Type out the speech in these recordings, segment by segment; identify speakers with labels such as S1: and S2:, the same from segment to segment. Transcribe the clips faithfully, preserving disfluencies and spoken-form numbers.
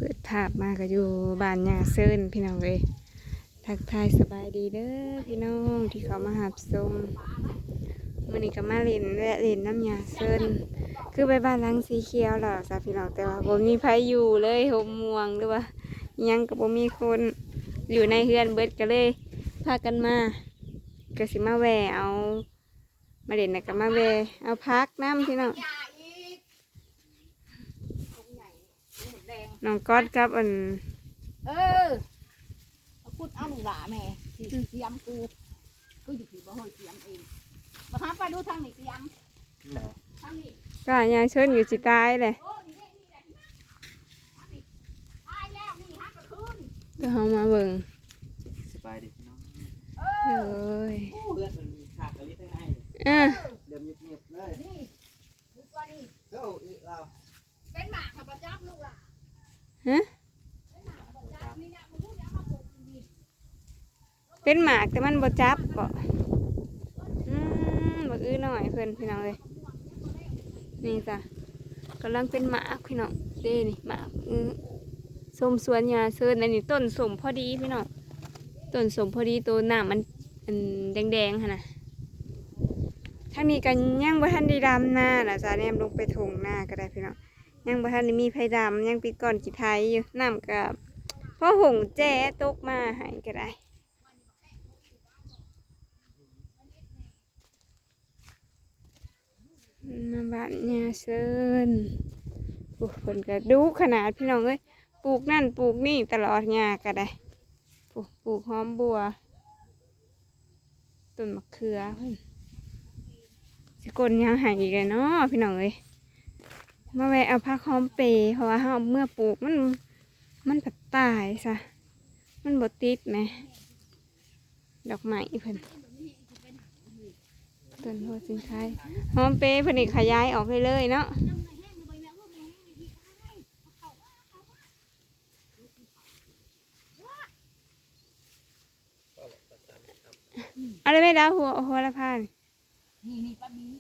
S1: ปิดภาพมาก็อยู่บ้านยาเซินพี่น้องเลยทักทายสบายดีเด้อพี่น้องที่เขามาหาชมมื้อนี้ก็มาเล่นและเล่นน้ำยาเซินคือไปบ้านหลังสีเขียวหรอกจ้ะพี่น้องแต่ว่าบ่มีไผอยู่เลยห่มม่วงหรือว่ายังก็บ่มีคนอยู่ในเฮือนเบิดก็เลยพากันมาก็สิมาแวะเอามาเล่นน่ะก็มาแวะเอาพักน้ำพี่น้องน้องก๊อตกับอัน
S2: เออเอาพูดเอาหนูหล่าแม่สิเสียมกูกูอยู่ที่บ่ห้อยเสียมเองมาหาไปดูทางนี้เสียมทางนี้
S1: ก็ยายเชิญอยู่สิตายเลย
S2: โอ้นี่นี่นี่แหละตายแล้วนี่ฮักกระคืน
S1: ก็เขามาเบิ่ง
S3: สบายดีน้อง
S2: เอ
S1: เอ้
S2: อย
S3: เพื่อนมันมีขาดกะลิทั้งให้
S1: อ่ะ
S3: เดี๋ยวเงียบๆเลย
S2: นี่ดูตัวนี้
S3: เจ้าอีเรา
S2: เป็นหมากขับประจับลูกล่ะ
S1: ฮะเป็นหมากแต่มันบ่จับบ่อืมบ่อื้อหน่อยเพิ่นพี่น้องเลยนี่จ้ะกำลังเป็นหมากพี่น้องเด้นี่หมากอื้อส้มสวนยาเซินอันนี้ต้นสมพอดีพี่น้องต้นสมพอดีตัวหน้ามันอันแดงๆหั่นน่ะทางนี้ก็ยังบ่ทันได้ดำหน้าล่ะจ้ะแนมลงไปถงหน้าก็ได้พี่น้องยังบ่ทันได้มีไผดำยังปิดก่อนกี่ไทยอยู่น้ำกับพ่อหงแจ้ตกมาให้ก็ได้มาบ้านยาเซินปลูกผลกระดูขนาดพี่น้องเอ้ยปลูกนั่นปลูกนี่ตลอดยาก็ได้ปลูกปลูกหอมบัวต้นมะเขือเพิ่นสิกลยังหายอีกเลยเนาะพี่น้องเอ้ยมาแวะเอาผักหอมเปรย์เพราะว่าเฮาเมื่อปลูกมันมันผัดตายซะมันบดติดไหมดอกไม้เพิ่นต้นโพสินไทยหอมเปรย์เพิ่นนี่ขยายออกเลยเลยเนาะอะไรไม่ดาวหัวหัวละพาน
S2: นี่นี่ป้าบี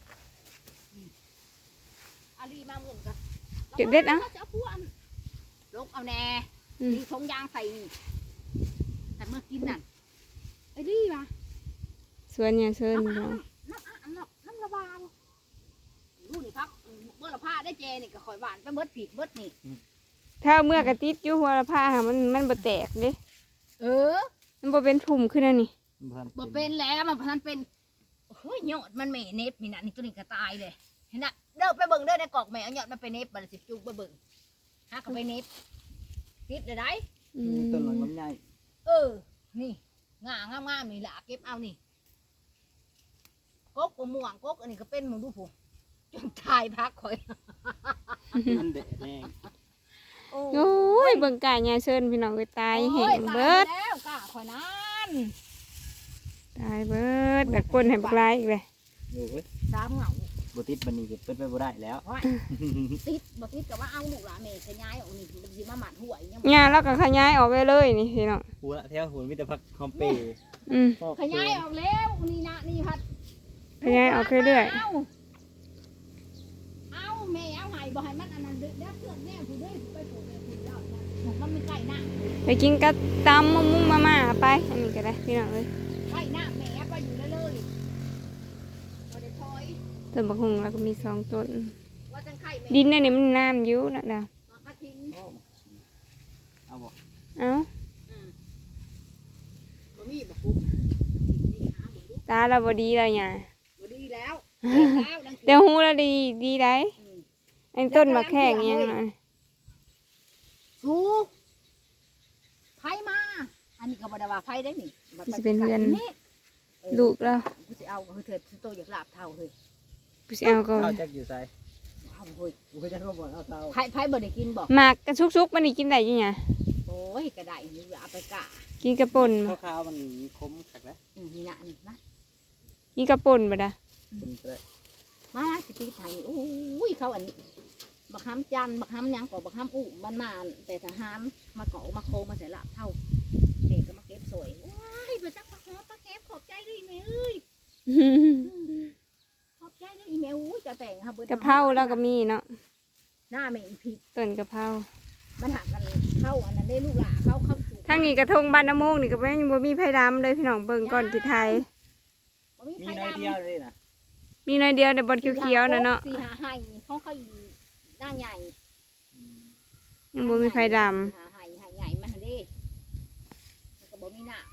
S2: อาลีมาหมุนกัน
S1: เก็บเด็ดนะ
S2: จะเอาพวกลงเอาแน่มีทงยางใส่นี่แต่เมื่อกินนั่นไอ้ดีป่ะ
S1: สวนเนี่ยเชิญ
S2: น้ำน้ำน้ำน้ำระบายรู้นี่ครับเมื่อละผ้าได้เจนี่ก็คอยหวานไปเบิดผีเบิดนี่
S1: ถ้าเมื่อกระติดอยู่หัวละผ้ามันมันบ่แตกเด้
S2: เออ
S1: มันบ่เป็นพุ่มขึ้นอันนี้
S2: บ่เป็นแล้วมันพันเป็นเฮ้ยยอดมันไม่เน็บมีน่ะนี่ตัวนี้ก็ตายเลยเห็นน่ะเดินไปเบิ่งเดินในกอกแม่เอายอดมันไปเน็บมันสิจูบไปเบิ่งหาเขาไปเน็บติดเลยได้
S3: ต้นหลังลำไย
S2: เออนี่งางามงามนี่แหละเก็บเอานี่กกกม่วงกกอันนี้ก็เป็นมึงดูผู้จนตายพักคอย
S3: มันเด็ดแน่
S1: โอ้ยเบิ่งกายยาเชิญพี่น้องไปตายแห้งเบิด
S2: แล้วกะคอยนั้น
S1: ตายเบิดแบบคนให้บักลายอีกเลย
S2: สามเหงา
S3: บติดบันนี้เก็บเป็นไปบ่ได้แล้ว
S2: ติดบติดกับว่าเอาลูกหลานเมย์ขยายออกนี่สิมาหมัดห่วย
S1: งานแล้วก็ขยายออกไปเลยนี่พี่น้อง
S3: หัวแถวหัวมิตรพักคอมเปย์
S2: ขยายออกแล้วนี่นะนี่พัด
S1: ขยายออกเรื่อย
S2: เอาเอาแม่เอาหายบ่ให้มันอันนั้นเด็กเพื่อนแน่ผู้ด้วยไปปลูกแม่ผู้เจ้ามันไม่ใกล้หน้า
S1: ไปกินกระตำมุ้งมุ้งมาม่าไปอันนี้ก็ได้พี่น้องเลย
S2: ใกล้หน้าแม่ไปอยู่เลย
S1: ต้นบักฮุงแล้วก็มีสองต้นดินในนี้มันน้ำยุ่นะดาว
S3: เอาบ่
S1: เอาตาเราบดีเลยไง
S2: ดีแล้ว
S1: เดี๋ยวหูเราดีดีได้ไอ้ต้นมะแข้งยังไง
S2: สูไฟมาอันนี้ก็บดว่าไฟได้นี่
S1: จะเป็นเพื่อนลูกเรา
S2: กูจะเอาเถิดโตอยากลาบเท่าเลย
S1: กูจะเอาก็
S3: เอาจักอยู่ใส่เอาเฮ้ยกูจะเอาบ่เอาเท่า
S2: ไผ่ไผ่บ่ได้กินบ่
S1: หมากกระชุกๆมันนี่กินได้ยังไง
S2: โอ้ยกระไดนี่เอาไปกะ
S1: กินกระป่น
S3: ข้าวมันคมขักแล้ว
S2: นี่นะนี่นะ
S1: กินกระป่นบ่ได้
S2: มาสิปีไทยโอ้ยเขาอันบักห้ำจันบักห้ำยังก่อบักห้ำอู้มันมาแต่ถ้าห้ำมาเกาะมาโคมาใส่ลาบเท่าเด็กก็มาเก็บสวยว้ายไปจักปลาหอมปลาเก็บขอบใจด้วยแม่เอ้ยขอบใจด้วยแม่อู้จะแต่งค่ะ
S1: กะเพราแล้วก็มีเนาะ
S2: หน้าแม่ผิด
S1: ต้นกะเพรา
S2: มันหักกันเข้าอันนั้นได้ลูกหลาเข้าเข้าสู่
S1: ทางนี้กระทงบ้านน้ำโมงนี่ก็ยังบ่มีไผดำเลยพี่น้องเบิ่งก่อนที่ไทย
S2: บ่มี
S3: มี
S2: ไผ
S3: น้อย
S2: ดำ
S3: เดียวเลยนะ
S1: มีน้อยเดียวแต่บนเขียวๆน่ะเนาะ
S2: สี่หาให้เขาเขาหน้าใหญ่
S1: ยังบ่มีไผดำ
S2: หาให้ให้ใหญ่มันเด้มันก็บ่มีหน้า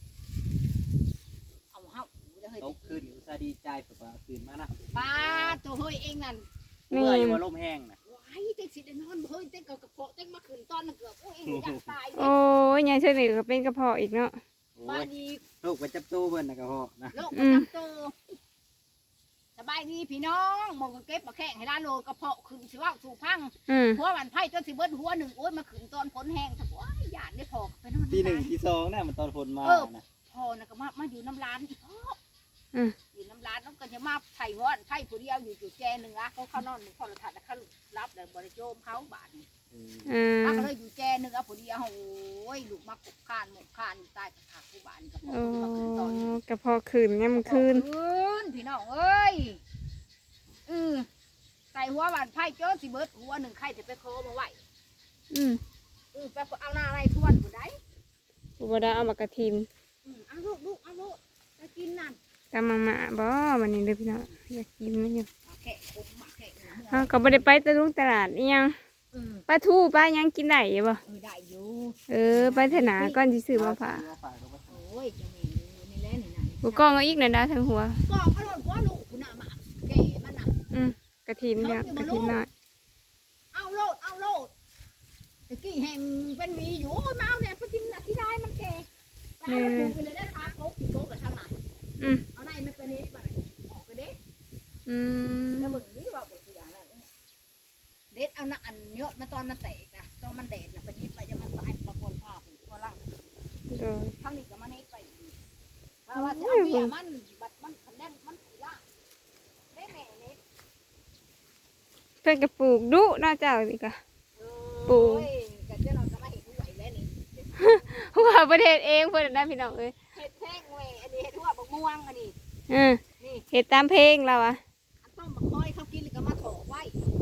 S2: เอาเฮาเด้อเฮ้ย
S3: ตกคืนอุตส่าห์ดีใจแบบว่าตื่นมานะ
S2: ป้าตัวเฮ้ยเองนั่น
S3: เมื่อยว่าลมแห้งนะ
S2: ว้ายเต็กสิได้นอนเฮ้ยเต็กกับกระเพาะเต็กมาขึ้นตอนนั้นเกือบโอ้ยเองอยากตาย
S1: โอ้ยยายเชิญนี่ก็เป็นกระเพาะอีกเนาะ
S3: โอ้
S2: บ้าย นดี
S3: ลูกไปจับตู้เบิ่นนะกระเพาะนะ
S2: โรคประจำตัวสบายดีพี่น้องมองก็เก็บมาแข่งให้ด้านโลกระเพาะขึ้นสิว่าสู่พัง
S1: อืม
S2: หัวมันไผ่ต้นสิเบิ้ลหัวหนึ่งโอ้ยมาขึ้นตอนฝนแห้งถ้าว่าหยาดได้พอไปนอน
S3: ทีหนึ่งทีสองเนี่ยมันตอนฝนมานะ
S2: พอนะก็มามาอยู่น้ำร้านอีก
S1: อืม
S2: อยู่น้ำร้านน้องก็จะมาไผ่หัวไผ่ผู้เดียวอยู่จุดแจหนึ่งอ่ะเขาเข้านอนหนึ่งพอเราถัดแล้วเขารับแล้วบริโภคเขาบาทนี่
S1: อืม
S2: ถ้าก็เลยอยู่แจหนึ่งอ่ะผู้เดียวโอ้ยลูกมากบคานหมกคานใต้กระถางผู้บ้านกับพ่อ
S1: โอ้
S2: มาขึ้นตอนนี้
S1: กระเพาะคืนยามคืน
S2: คืนพี่น้องเอ้ยอือใส่หัวบานไผ่โจ้สิเบิดหัวหนึ่งไข่จะไปโคมาไหว
S1: อืม
S2: อือไปเอาหน้าอะไรทวนผู้ใด
S1: อุบดาเอามากระทิม
S2: อือเอาลูกลูกเอาลูกไปกินนั่น
S1: ตามมามาบ่วันนี้เด้อพี่น้องอยากกินมันอยู่
S2: มาแข่คมมาแข่นะ
S1: เฮาก็บ่ได้ไปตะลุงตลาดอีหยัง
S2: อือ
S1: ปลาทูปลาหยังกินได้อยู่บ่
S2: เออได้อยู่
S1: เออไปเถอะนะก่อนสิซื้อมาฝาก
S2: โอ้ยจะมีนี่แหละนี่นะ
S1: กูกล้องเอาอีกนั่นดาทั้งหัว
S2: ก็อร่อยกว่าลูกคุณน่ะมาแก่มันน่ะ
S1: อืมกระทิมเด้อกระทิมน้อย
S2: เอาโลดเอาโลดตะกี้แห่งเป็นหวีอยู่โอ้ยมาเอาเนี่ยไปกินน่ะที่ได้มันแก่ตายแล้วปลูกไปเลยได้ทาโก๊กโก๊กกับทางไหน
S1: อืม
S2: เอาได้ไม่เป็นนิดไปออกไปเด็ด
S1: อืม
S2: แล้วมึงนี่ว่าเป็นตัวอย่างแล้วเด็ดเอาหน้าอันเยอะมาตอนมันแตกนะตอนมันแดดนะเป็นนิดไปจะมันตายประกวนภาพพอล่าง
S1: โดย
S2: ทั้งนี้ก็มันนิดไปถ้าว่าจะเอาเบี้ยมันบัดมันคะแนนมันสีล่างได้แม่นิด
S1: เพิ่นก็ปลูกดุเนาะเจ้านี่ก็
S2: โอ้ยกันเจ้าเราจะมาเห็นด้วยแล้วนี่
S1: ว่าประเทศเองเพิ่นน่ะพี่น้องเอ้ย
S2: เห็ดแท่งเว้ยอันนี้เห็ดหัวบักม่วงอันนี้
S1: เออ
S2: นี่
S1: เฮ็ดตามเพลงเราอ่ะ
S2: อันต้มบักคอยเขากินแล้วก็มาโถไว้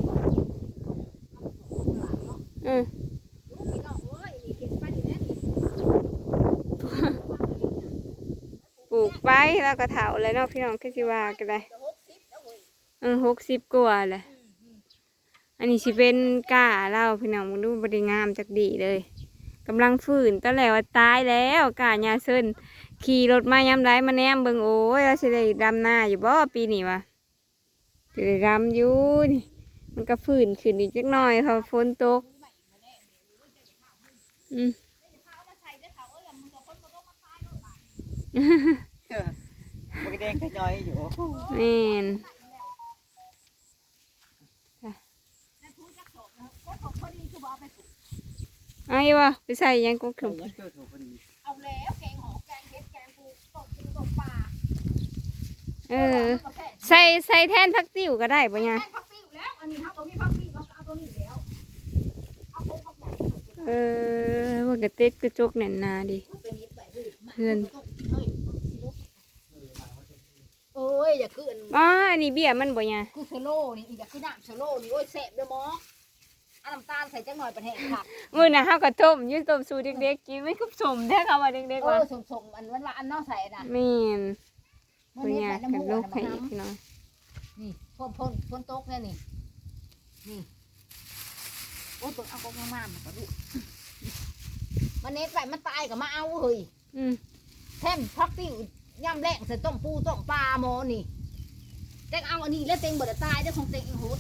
S1: อืม
S2: ลูกพี่น้องเอ้ยนี่เห็ดไปนี่แน่นี่
S1: ปลูกไปแล้วก็เฒ่าแล้วเนาะพี่น้องคือสิว่าก็ได้
S2: จะหกสิบแล้วเว้ย
S1: เออหกสิบกว่าแหละ
S2: อืมอืม
S1: อันนี้สิเป็นก้าเราพี่น้องมึงดูบ่ได้งามจักดีเลยกำลังฟื้นตอนแรกว่าตายแล้วก้าหญ้าเซินขี่รถมายามใดมาแนมเบิ่งโอ้ยเราสิได้ดำหน้าอยู่บ่ปีนี้วะสิได้ดำอยู่นี่มันก็ฟื้นขึ้นอีกจักหน่อยเพอฝนตกอืม
S3: มันก็แดงขย้อยอยู่
S1: แม่นเอาอีวะไปใส่หยังกุกถุง
S2: เอาแล้วแกงหอมแกงเห็ดแกงปูต้มกินต้มปลา
S1: เออใส่ใส่แทนผักติ้วก็ได้ปะเนี่ย
S2: แกงผักปิ้วแล้วอันนี้ครับตัวนี้ผักปิ้วเราเอาตัวนี้แล้วเอาตัวผักใหญ่
S1: เออว่ากระเต็ดกระจกแน่นหนาดิ
S2: เป็นนิดไปเฮ้ย
S1: เพื่อน
S2: โอ้ยอย่าขึ้น
S1: อ๋ออันนี้เบี้ยมันบ่เนี่ย
S2: คือเชโล่นี่อย่าขึ้นน้ำเชโล่นี่โอ้ยแสบเด้อหมอเอาน้ำตาลใส่จังหน่อยประเทศค่ะ
S1: มื้อน่ะเฮาก็ต้มอยืนต้มสู่เด็กๆกินไม่คุบสมแท้ค่ะว่าเด็ก
S2: เอ
S1: ๆว่า
S2: อสมๆอันวันละอันนอกใส่น่ะ
S1: แม่น
S2: มัน
S1: บ่
S2: นี่
S1: ยา
S2: ใส่
S1: ก
S2: น้ำ
S1: กั
S2: มู
S1: น
S2: ก
S1: ลู
S2: อั
S1: ก
S2: น
S1: ให้
S2: น้ำ
S1: พี่น้อง
S2: นี่พ่นพ่นพ่นโต๊ะเนี่ยนี่นี่โอ้ยเปิดเอากองงามๆมาก็ดูมันเน็ตไปมันตายกับมาเอาเฮ้ย
S1: อืม
S2: แท่นพักติ้วย่ำแรงใส่ต้มปูต้มปลาหมอนี่เต็งเอาอันนี้แล้วเต็งบ่ได้ตายได้อของเต็งอีโหด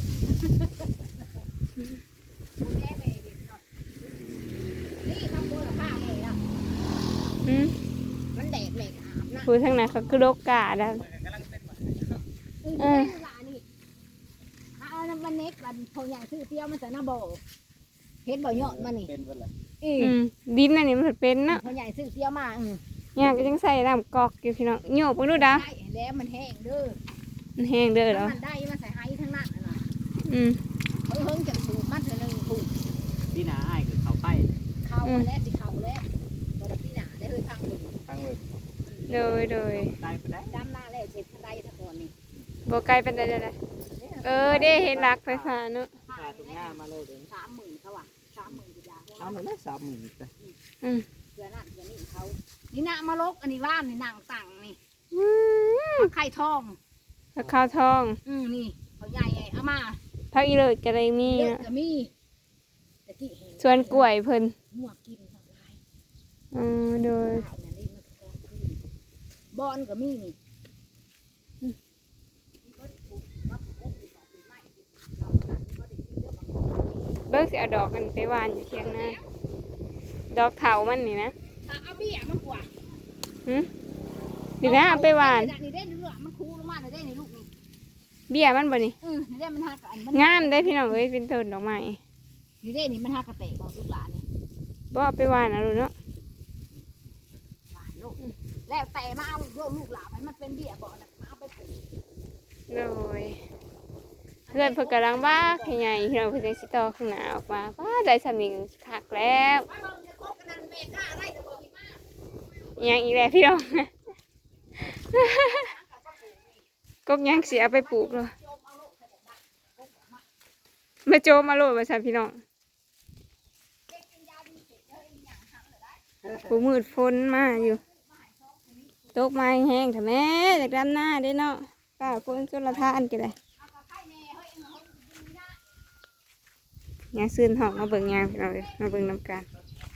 S2: นี่ทำบัวละป้าเลยนะ
S1: อืม
S2: มันแดดเลยอาบนะ
S1: ผู้ทางนั้นเขาคือโรคกาดแล้ว
S2: เออเวลานี่เอาน้ำมันเน็กมันพออย่างซื้อเตี้ยวมันใส่หน้าบ่อเห็นบ่อยอดมันนี่
S3: เป็นเป็นไร
S2: อี
S1: อืมดินอันนี้มันเป็นเนาะ
S2: พอใหญ่ซื้อเตี้ยวมาอืม
S1: เนี่ยก็จังใส่น้ำกอกอยู่พี่น้องโยกเบิ่งดูดา
S2: ได้แล้วมันแห้งเด้อ
S1: มันแห้งเด้อเหรอ
S2: มันได้มันใส่ไฮทั้งนั้นน่ะนะ
S1: อืม
S2: เพิ่งเพิ่งจะถูกมันเถอะหนึ่งถูก
S3: ที่หนาอ้ายคือเขาไป
S2: เข้าแล้วสิเข้าแล้วบ่ได้พี่หนาได้เลยทางหนึ่ง
S3: ทางเวิร์ด
S1: โดยโดย
S3: ตายไปได้
S2: ดำหน้าแล้วเสร็จทันใดทันก่อนนี่
S1: บ่ไกลเป็นไดเด้อเออเด้เห็นรักไฟฟ้าเนาะ
S3: พาทุกหน้ามาเลยเลย
S2: สามหมื่นเขาอ่ะสามหมื่นกี่ยา
S3: เอาหน่อยนะสามหมื่นไป
S1: อืม
S2: เดือนนั้นเดือนนี้เขานี่นะมาลกอันนี้ว่านนี่นางตังนี่
S1: อืม
S2: ไข่ทอง
S1: ผักข้าวทอง
S2: อืมนี่เขาใหญ่ใหญ่เอามา
S1: ผักอีเลิศก็ได้มี
S2: เยอะ
S1: นะ
S2: ก็มีแต่ที่เห็น
S1: ส่วนกล้วยเพิ่น
S2: หัวกินทั้งหลาย
S1: อืมโดย
S2: ข้าวเนี่ยนี่มันก็คือบอนก็มีนี่
S1: เบิกสิเอาดอกกันไปหวานอยู่เทียงนาดอกเถามันนี่นะ
S2: เอาเบี้ยมันกว่า
S1: หึดีนะเอาไปหวาน
S2: นี่ได้เรื่องมันคูลงมาเลยได้ในลูกนี่
S1: เบี้ยมันบ่นี่
S2: เออนี่ได้มันหักอันมัน
S1: งามได้พี่น้องเอ้ยเป็นต้นดอกไม้
S2: นี่ได้นี่มันหักกระเตะบอกลูกหลานนี่
S1: บ่เอาไปหวานเอาลูกเนาะ
S2: หวานลูกแล้วแต่มาเอาโยมลูกหลานมันมันเป็นเบี้ยบอกนะมาเอาไปปลูก
S1: โดยเพื่อนเพิ่นกำลังว่าขยายพี่น้องเพิ่นจังสิต่อข้างหน้าออกมาว้าได้สำนึกคักแล้ว
S2: มาเราจะคบกันนั่นแม่กล้าอะไรจะบอกอีกมา
S1: อิหยังอีกแล้วพี่น้อง กกยังสิเอาไปปลูกเลยมาโจมมาโลดว่าซั่นพี่น้องผู้มืดฝนมาอยู่ตกไม้แห้งถ้าแม่จากดำหน้าได้เนาะป้าฝนจนละทานกันเลยยางซื้นหอกมาเบิ่งยางพี่น้องเอ้ยมาเบิ่งน้ำกัน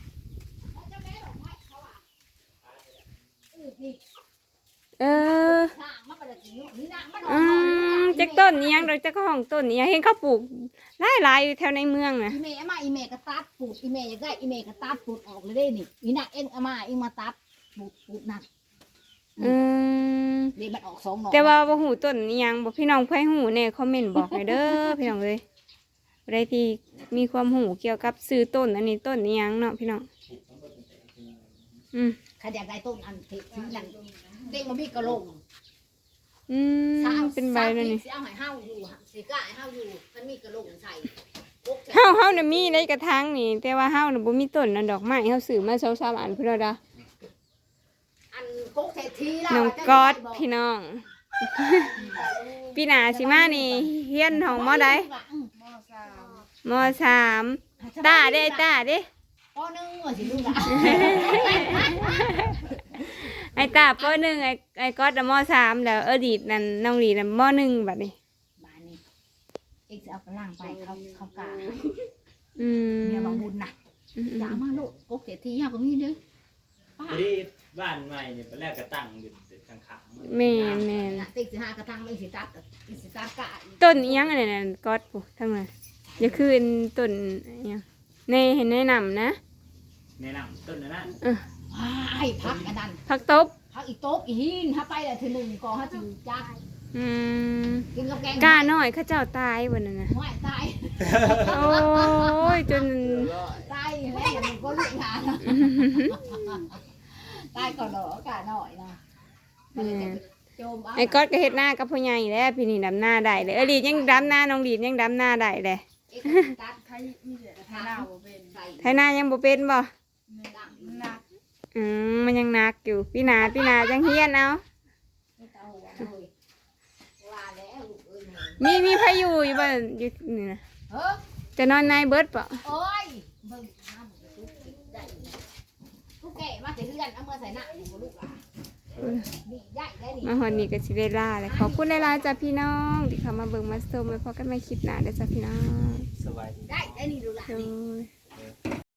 S1: เอออืมจักต้นนี้ยังเราจะก็ห้องต้นนี้ยังเห็นเขาปลูกหลายหลายอยู่แถวในเมืองน่ะ
S2: อีเมย์เอามาอีเมย์ก็ตัดปลูกอีเมย์อยากได้อีเมย์ก็ตัดปลูกออกเลยได้นี่อีน่ะเอ็งเอามาเอ็งมาตัดปลูกปลูกนั่น
S1: อืม
S2: เดี๋ยวมันออกสองหน่อ
S1: แต่ว่าบ่หูต้นนี้ยังบอกพี่น้องเพื่อให้หูเนี่ยคอมเมนต์บอกหน่อยเด้อ พี่น้องเลยอะไรที่มีความหูเกี่ยวกับซื้อต้นอันนี้ต้นนี้ยังเนาะพี่น้องอืม
S2: ใครอยากได้ต้นอันที่ที่นั่นเต็งมามีกระโหลก
S1: อืมเป็นใบนั่นนี่
S2: สิเอาให้เฮาอยู่ฮะสิกล้าให้เฮาอยู่มันมีกระโหลกใส่พกใส่
S1: เฮาเฮาน่ะมีในกระถางนี่แต่ว่าเฮาน่ะบ่มีต้นนั่นดอกไม้เฮาซื้อมาสองสามอันพุ่นแล้วดา
S2: อันพกใส่ทีแล้ว
S1: น้องกอดพี่น้อง ปีหน้าสิมานี่เฮียนของมอใดมอสามตาเด้ตาเด้
S2: ปอหนึ่งว่าสิลูกหลาน
S1: ไอ้ตาปหนึ่งไอ้ไอ้ก๊อตน่ะมสามแล้วเออดีดนั่นน้องดีดน่ะมหนึ่งบัดนี้
S2: บ้านนี้เอ็กซ์เอากระล่างไปเขาเขากา
S1: อืม
S2: เมียบางบุญน่ะ
S1: อืม
S2: อย่ามาลูกพกใส่ทีเฮาก็มีเด้อป้า
S3: ที่บ้านใหม่เนี่ยตอนแรกก็ตั้งอยู่ข้างขาง
S1: แม่นแม่น
S2: น่ะติ๊กสิหากระทังไม่สิตัดอีสิตัดกะ
S1: ต้นอิหยังอันนั้นน่ะก๊อตปุ๊ทั้งนั้นอย่าคืนต้นอิหยังในเห็นแนะนำนะ
S3: แนะนำต้นนั้น
S1: เออ
S2: ว้ายพักอันนั้น
S1: ผักตบ
S2: พักอีโต๊ะอีหินถ้าไปแต่ทีหนึ่งก็ถ้าจะจัก
S1: อืม
S2: กินกับแกง
S1: กาน้อยเข้าเจ้าตายวันนั้นน่ะ
S2: ไม่ตาย
S1: โอ้ยจน
S2: ตายแล้วมันก็ลุกงานตายก่อนเหรอกะหน่อยนะโจม
S1: ไอ้ก๊อตก็เฮ็ดหน้ากับพ่อใหญ่แล้วพี่นี่ดำหน้าได้เลยเออลีดยังดำหน้าน้องลีดยังดำหน้าได้เลย
S2: ตัดใครมีเหลือทาเราเป็นใส่
S1: ไทยหน้ายังบ่เป็นบ่
S2: ดังนัก
S1: อืมมันยังหนักอยู่พี่นาพี่นาจังเฮียนเอา
S2: ไม่ต้องหัวเลยว่าแล้วลูกเอ้ย
S1: มีมีพายุอยู่บ่อยู่นี่นะ
S2: เฮ้ย
S1: จะนอนในเบิดป่ะ
S2: โอ้ยเบิ่งน้ำมันลุกได้ลูกแก่มาใส่เลือนเอามาใส่หน้าอยู่กับลูกหลานนี่ใหญ่ได้นี่
S1: มาฮอนนี่ก็สิได้ลาเลยขอบคุณหลายๆจ้ะพี่น้องที่เข้ามาเบิ่งมาชมไว้พอกันใหม่คลิปหน้าเด้อจ้ะพี่น้อง
S3: สบายดี
S2: ได้ได้นี่ดูหลาน
S1: โด
S2: นี่
S1: ย